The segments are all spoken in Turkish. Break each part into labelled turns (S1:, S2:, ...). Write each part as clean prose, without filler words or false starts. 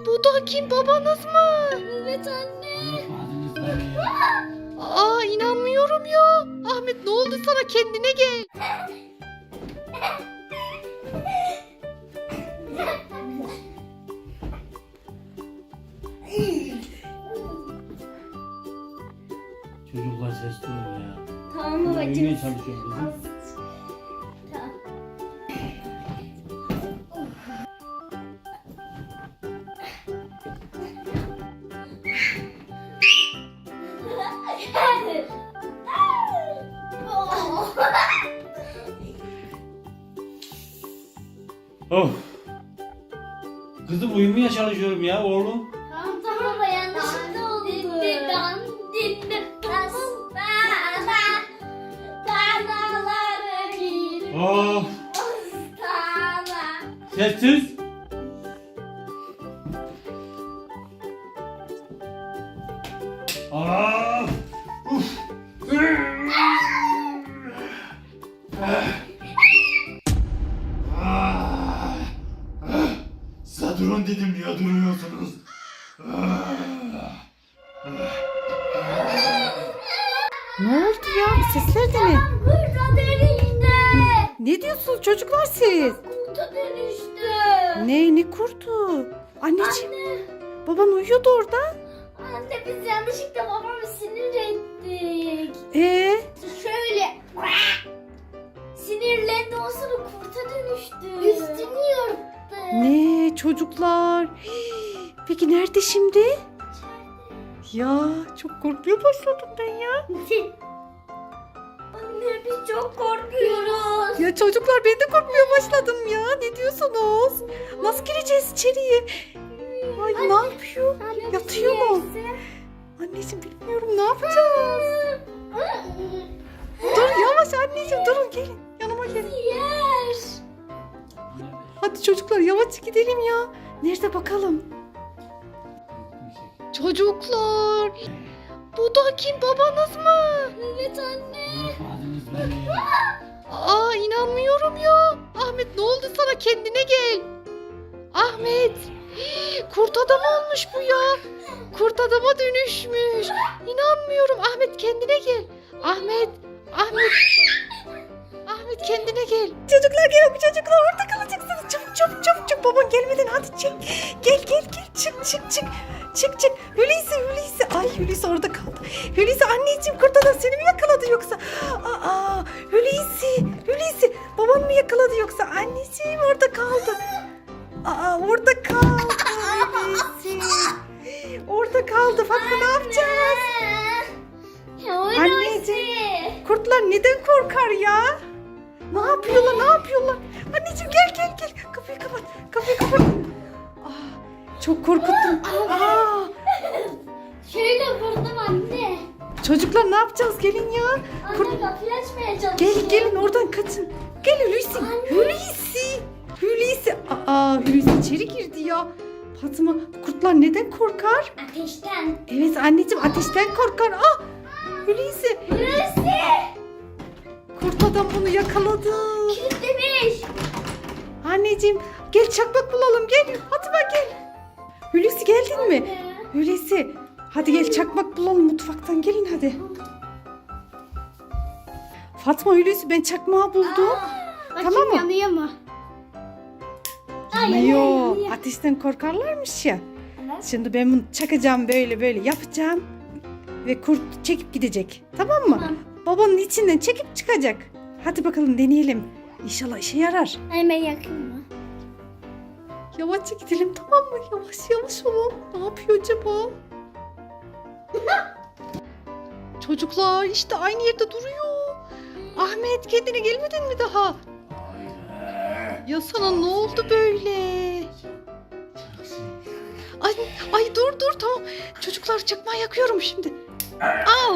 S1: Bu da kim, babanız mı?
S2: Evet anne.
S1: Aa, inanmıyorum ya. Ahmet, ne oldu sana, kendine gel.
S3: Çocuklar sesli olun ya.
S2: Tamam
S3: Uyumaya
S2: babacığım.
S3: çalışıyorum kızım.
S2: Tamam.
S3: Of. Kızım uyumaya çalışıyorum ya oğlum.
S2: Tamam tamam baba, yanlışlıkla oldu.
S3: Of. Sessiz. Of. Uf. Size durun dedim, niye duruyorsunuz?
S1: Ne oldu ya? Bu sesler de ne?
S2: Kurta dönüştü.
S1: Ne diyorsunuz çocuklar siz?
S2: Kurta dönüştü.
S1: Ne kurtu? Anneciğim,
S2: Anne.
S1: baban uyuyordu orada.
S2: Anne, biz yanlışlıkla babamı sinir ettik. Şöyle sinirlendi, o sonra kurta dönüştü. Üstünü yırttı.
S1: Ne çocuklar? Hii, peki nerede şimdi? Ya çok korkmaya başladım ben ya.
S2: Anne, biz çok korkuyoruz.
S1: Ya çocuklar, ben de korkmaya başladım ya. Ne diyorsunuz? Nasıl gireceğiz içeriye? Ay, ne yapıyor?
S2: Anne,
S1: Yatıyor mu? Anneciğim, bilmiyorum, ne yapacağız? Dur yavaş anneciğim, durun, gelin yanıma gelin.
S2: Yer.
S1: Hadi çocuklar, yavaş gidelim ya. Nerede bakalım? Çocuklar, bu da kim, babanız mı?
S2: Evet anne.
S3: Unutmadınız beni.
S1: Aa, inanmıyorum ya. Ahmet, ne oldu sana, kendine gel. Ahmet, kurt adam olmuş bu ya. Kurt adama dönüşmüş. İnanmıyorum. Ahmet, kendine gel. Ahmet, Ahmet. Ahmet, kendine gel. Çocuklar, gelin, çocuklar, orada kalacaksınız. Çabuk çabuk çabuk çabuk. Baban gelmeden hadi çık. Gel gel gel, çık çık çık. Çık çık. Hulusi. Ay, Hulusi orada kaldı. Hulusi, anneciğim, kurt adam seni mi yakaladı yoksa? Aa, Hulusi. Baban mı yakaladı yoksa? Anneciğim, orada kaldı. Aa, orada kaldı Hulusi. Orada kaldı. Fatma, ne yapacağız? Anneciğim, kurtlar neden korkar ya? Ne yapıyorlar? Anneciğim, gel. Kapıyı kapat. Çok korkuttum.
S2: Şöyle vurdum anne.
S1: Çocuklar, ne yapacağız? Gelin ya.
S2: Anne, kapıyı açmaya çalışıyor.
S1: Gelin oradan kaçın. Gel Hulusi. Hulusi. Hulusi içeri girdi ya. Fatma, kurtlar neden korkar?
S2: Ateşten.
S1: Evet anneciğim, ateşten korkar. Hulusi.
S2: Burası.
S1: Kurt adam bunu yakaladı.
S2: Kilitlemiş.
S1: Anneciğim, gel çakmak bulalım, gel. Fatma, gel. Hulusi, geldin mi? Hulusi, hadi gel çakmak bulalım mutfaktan, gelin hadi. Fatma, Hulusi, ben çakmağı buldum. Tamam mı?
S2: Yanıyor mu?
S1: Yok, ateşten korkarlarmış ya.
S2: Evet.
S1: Şimdi ben bunu çakacağım, böyle yapacağım. Ve kurt çekip gidecek. Tamam mı?
S2: Tamam.
S1: Babanın içinden çekip çıkacak. Hadi bakalım, deneyelim. İnşallah işe yarar.
S2: Hemen yakın mı?
S1: Yavaşça gidelim, tamam mı? Yavaş olun. Ne yapıyor acaba? Çocuklar, işte aynı yerde duruyor. Ahmet, kendine gelmedin mi daha? Ya sana ne oldu böyle? Ay dur, tamam. Çocuklar, çakmağı yakıyorum şimdi. Al.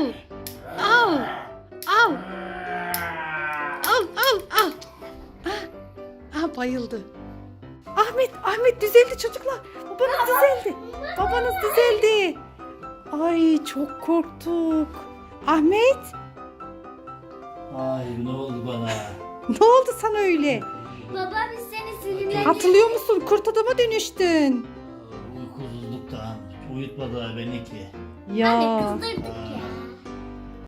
S1: Bayıldı. Ahmet düzeldi çocuklar. Babanız düzeldi. Ay, çok korktuk. Ahmet,
S3: Ay, ne oldu bana?
S1: ne oldu sana öyle?
S2: Baba, biz seni sinirlendik.
S1: Hatırlıyor musun? Kurt adama dönüştün.
S3: Uykusuzluktan uyutmadılar beni ki.
S1: Ya.
S2: Anne kızdırdık ya.